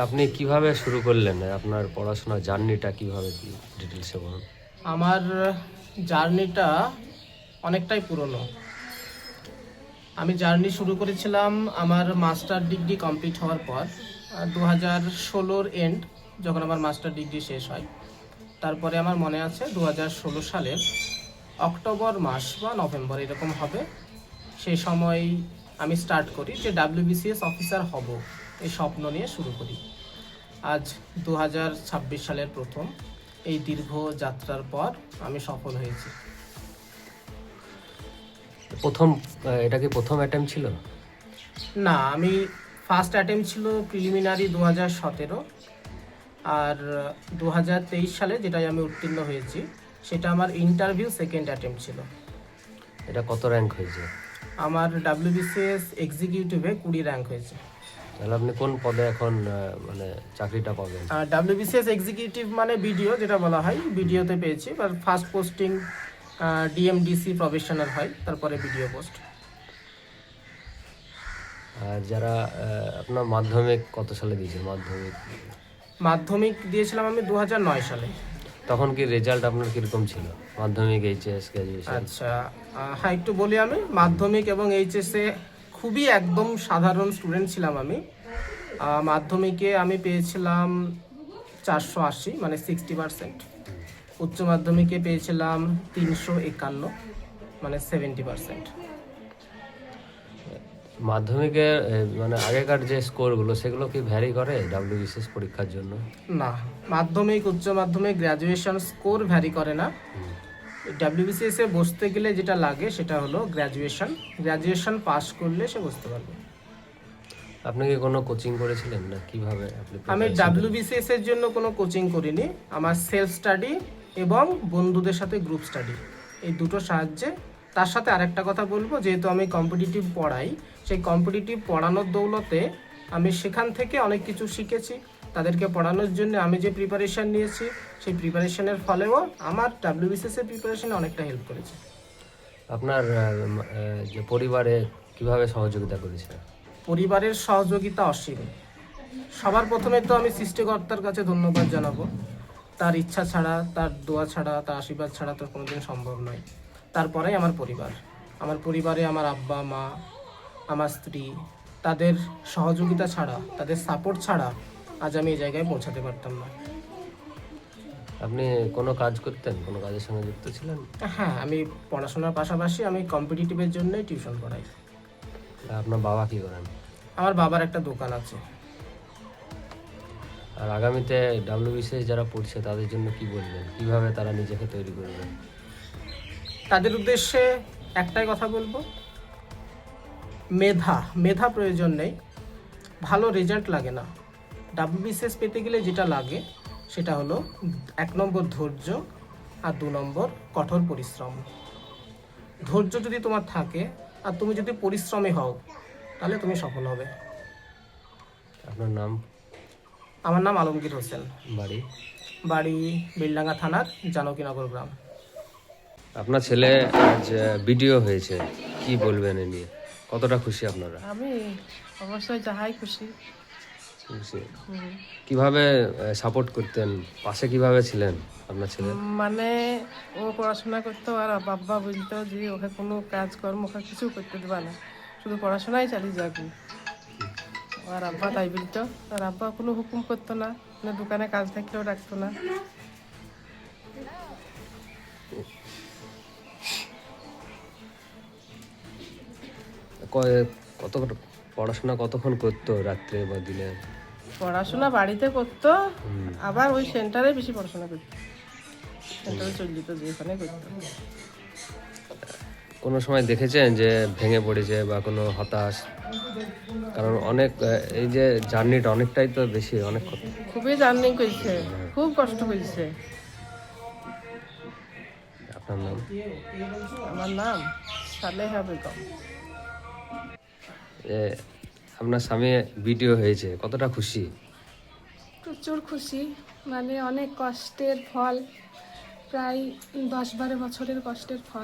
আপনি কিভাবে শুরু করলেন? আপনার পড়াশোনার জার্নিটা কিভাবে কি ডিটেলসে বলুন। আমার জার্নিটা অনেকটাই পুরনো। আমি জার্নি শুরু করেছিলাম আমার মাস্টার ডিগ্রি কমপ্লিট হওয়ার পর 2016-র এন্ড, যখন আমার মাস্টার ডিগ্রি শেষ হয়। তারপরে আমার মনে আছে 2016 সালের অক্টোবর মাস বা নভেম্বর এরকম হবে, সেই সময় আমি স্টার্ট করি যে WBCS অফিসার হব, এই স্বপ্ন নিয়ে শুরু করি। আজ 2026 সালের প্রথম এই দীর্ঘ যাত্রার পর আমি সফল হয়েছি। প্রথম এটা কি প্রথম অ্যাটেম্প ছিল? না, আমি ফার্স্ট অ্যাটেম্প ছিল প্রিলিমিনারি 2017, আর 2023 সালে যেটাই আমি উত্তীর্ণ হয়েছি সেটা আমার ইন্টারভিউ সেকেন্ড অ্যাটেম্প ছিল। এটা কত র্যাঙ্ক হয়েছে? আমার WBCS এক্সিকিউটিভে 20 র্যাঙ্ক হয়েছে। তাহলে আপনি কোন পদে এখন মানে চাকরিটা পাবেন? আর WBCS এক্সিকিউটিভ মানে বিডিও, যেটা বলা হয়, বিডিওতে পেয়েছি। আর ফার্স্ট পোস্টিং DMDC প্রফেশনাল হয়, তারপরে বিডিও পোস্ট। আর যারা আপনার মাধ্যমিক কত সালে দিয়েছেন? মাধ্যমিক দিয়েছিলাম আমি 2009 সালে। তখন কি রেজাল্ট আপনার কীরকম ছিল? মাধ্যমিক, এইচএস, গ্র্যাজুয়েশন? আচ্ছা, হ্যাঁ, একটু বলি। আমি মাধ্যমিক এবং এইচএসে খুবই একদম সাধারণ স্টুডেন্ট ছিলাম আমি। মাধ্যমিকে আমি পেয়েছিলাম 480, মানে 60%। উচ্চ মাধ্যমিকে পেয়েছিলাম 351, মানে 70%। মাধ্যমিকের মানে আগেকার যে স্কোরগুলো সেগুলো কি ভ্যারি করে WBCS পরীক্ষার জন্য? না, মাধ্যমিক, উচ্চ মাধ্যমিক, গ্র্যাজুয়েশন স্কোর ভ্যারি করে না। WBCS এ বসতে গেলে যেটা লাগে সেটা হলো গ্র্যাজুয়েশন পাস করলে সে বসতে পারবে। আপনি কি কোনো কোচিং করেছিলেন না কিভাবে আপনি? আমি WBCS এর জন্য কোনো কোচিং করিনি। আমার সেলফ স্টাডি এবং বন্ধুদের সাথে গ্রুপ স্টাডি, এই দুটো সাহায্যে। তার সাথে আরেকটা কথা বলবো, যেহেতু আমি কম্পিটিটিভ পড়াই, সেই কম্পিটিটিভ পড়ানোর দৌলতে আমি সেখান থেকে অনেক কিছু শিখেছি। তাদেরকে পড়ানোর জন্য আমি যে প্রিপারেশান নিয়েছি, সেই প্রিপারেশানের ফলেও আমার WBCS এর প্রিপারেশানে অনেকটা হেল্প করেছে। আপনার যে পরিবারে কিভাবে সহযোগিতা করেছে? পরিবারের সহযোগিতা অসীম। সবার প্রথমে তো আমি সৃষ্টিকর্তার কাছে ধন্যবাদ জানাবো। তার ইচ্ছা ছাড়া, তার দোয়া ছাড়া, তার আশীর্বাদ ছাড়া তো কোনোদিন সম্ভব নয়। তারপরেই আমার পরিবার। আমার পরিবারে আমার আব্বা, মা, আমার স্ত্রী, তাদের সহযোগিতা ছাড়া, তাদের সাপোর্ট ছাড়া আজ আমি এই জায়গায় পৌঁছাতে পারতাম না। আপনি কোনো কাজ করতেন? কোনো কাজের সঙ্গে যুক্ত ছিলেন? হ্যাঁ, আমি পড়াশোনার পাশাপাশি আমি কম্পিটিটিভের জন্যই টিউশন পড়াই। আপনার বাবা কি করেন? আমার বাবার একটা দোকান আছে। আর আগামীতে WBCS যারা পড়ছে তাদের জন্য কি বলবেন? কিভাবে তারা নিজেকে তৈরি করবে? তাদের উদ্দেশ্যে একটাই কথা বলবো, মেধা প্রয়োজন নেই, ভালো রেজাল্ট লাগে না। WBCS পেতে গেলে যেটা লাগে সেটা হলো 1 নম্বর ধৈর্য, আর 2 নম্বর কঠোর পরিশ্রম। ধৈর্য যদি তোমার থাকে আর তুমি যদি পরিশ্রমী হও, তাহলে তুমি সফল হবে। আপনার নাম? আমার নাম আলমগীর হোসেন। বাড়ি? বাড়ি বেলডাঙ্গা থানার জানকীনগর গ্রাম। আপনার ছেলে আজ ভিডিও হয়েছে, কি বলবেন এ নিয়ে? কতটা খুশি আপনারা? আমি অবশ্যই যাহাই খুশি। খুশি। কিভাবে সাপোর্ট করতেন? পাশে কিভাবে ছিলেন আপনার ছেলে? মানে ও পড়াশোনা করতো আর বাবা বলতো যে ওকে কোনো কাজকর্ম ওকে কিছু করতে দেবা না, শুধু পড়াশোনাই চালিয়ে যাবি। আর আব্বা তাই বলতো। আর আব্বা কোনো হুকুম করতো না, মানে দোকানে কাজ থাকলেও রাখতো না। কত পড়াশোনা কতক্ষণ করতো, রাত্রে বা দিনে? পড়াশোনা বাড়িতে করতো, আবার ওই সেন্টারে বেশি পড়াশোনা করতো। সেন্টারে চলে যেত, যেখানে করতো। কোনো সময় দেখেছেন যে ভেঙে পড়েছে বা কোনো হতাশ? কারণ অনেক এই যে জার্নিটা অনেকটাই তো বেশি, অনেক খুবই জার্নি করছে, খুব কষ্ট করছে। আপনার নাম? আমার নাম সালেহা বেগম। আপনার স্বামী ভিডিও হয়েছে, কতটা খুশি? প্রচুর খুশি, মানে অনেক কষ্টের ফল, প্রায় 10-12 বছরের কষ্টের ফল।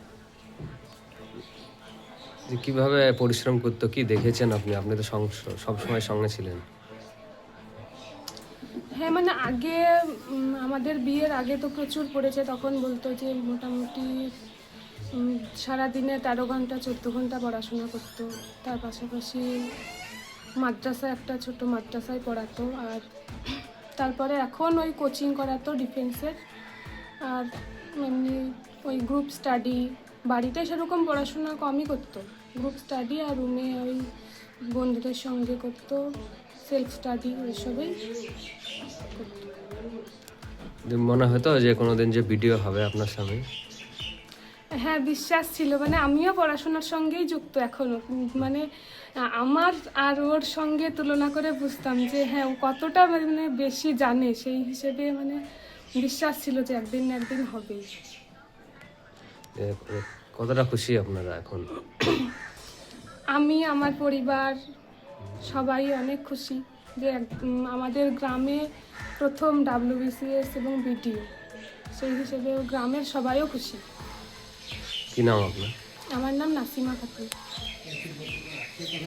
যে কিভাবে পরিশ্রম করতো, কি দেখেছেন আপনি? আপনি তো সবসময় সঙ্গে ছিলেন। হ্যাঁ মানে আগে আমাদের বিয়ের আগে তো প্রচুর পড়েছে, তখন বলতো যে মোটামুটি সারাদিনে 13 ঘন্টা 14 ঘন্টা পড়াশোনা করতো। তার পাশাপাশি মাদ্রাসায় একটা ছোট মাদ্রাসায় পড়াতো, আর তারপরে এখন ওই কোচিং করাতো ডিফেন্সের, আর এমনি ওই গ্রুপ স্টাডি, বাড়িতে সেরকম পড়াশোনা কমই করতো, গ্রুপ স্টাডি আর রুমে ওই বন্ধুদের সঙ্গে করতো সেলফ স্টাডি, ওইসবই করতো। যে মনে হতো যে কোনোদিন যে ভিডিও হবে আপনার সামনে? হ্যাঁ বিশ্বাস ছিল, মানে আমিও পড়াশোনার সঙ্গেই যুক্ত এখনো, মানে আমার আর ওর সঙ্গে তুলনা করে বুঝতাম যে হ্যাঁ ও কতটা মানে বেশি জানে, সেই হিসেবে মানে বিশ্বাস ছিল যে একদিন না একদিন হবেই। যে কতটা খুশি আপনারা এখন? আমি, আমার পরিবার সবাই অনেক খুশি যে আমাদের গ্রামে প্রথম WBCS এবং BDO, সেই হিসেবে গ্রামের সবাইও খুশি। কি নাম আপনার? আমার নাম নাসিমা খাতুন।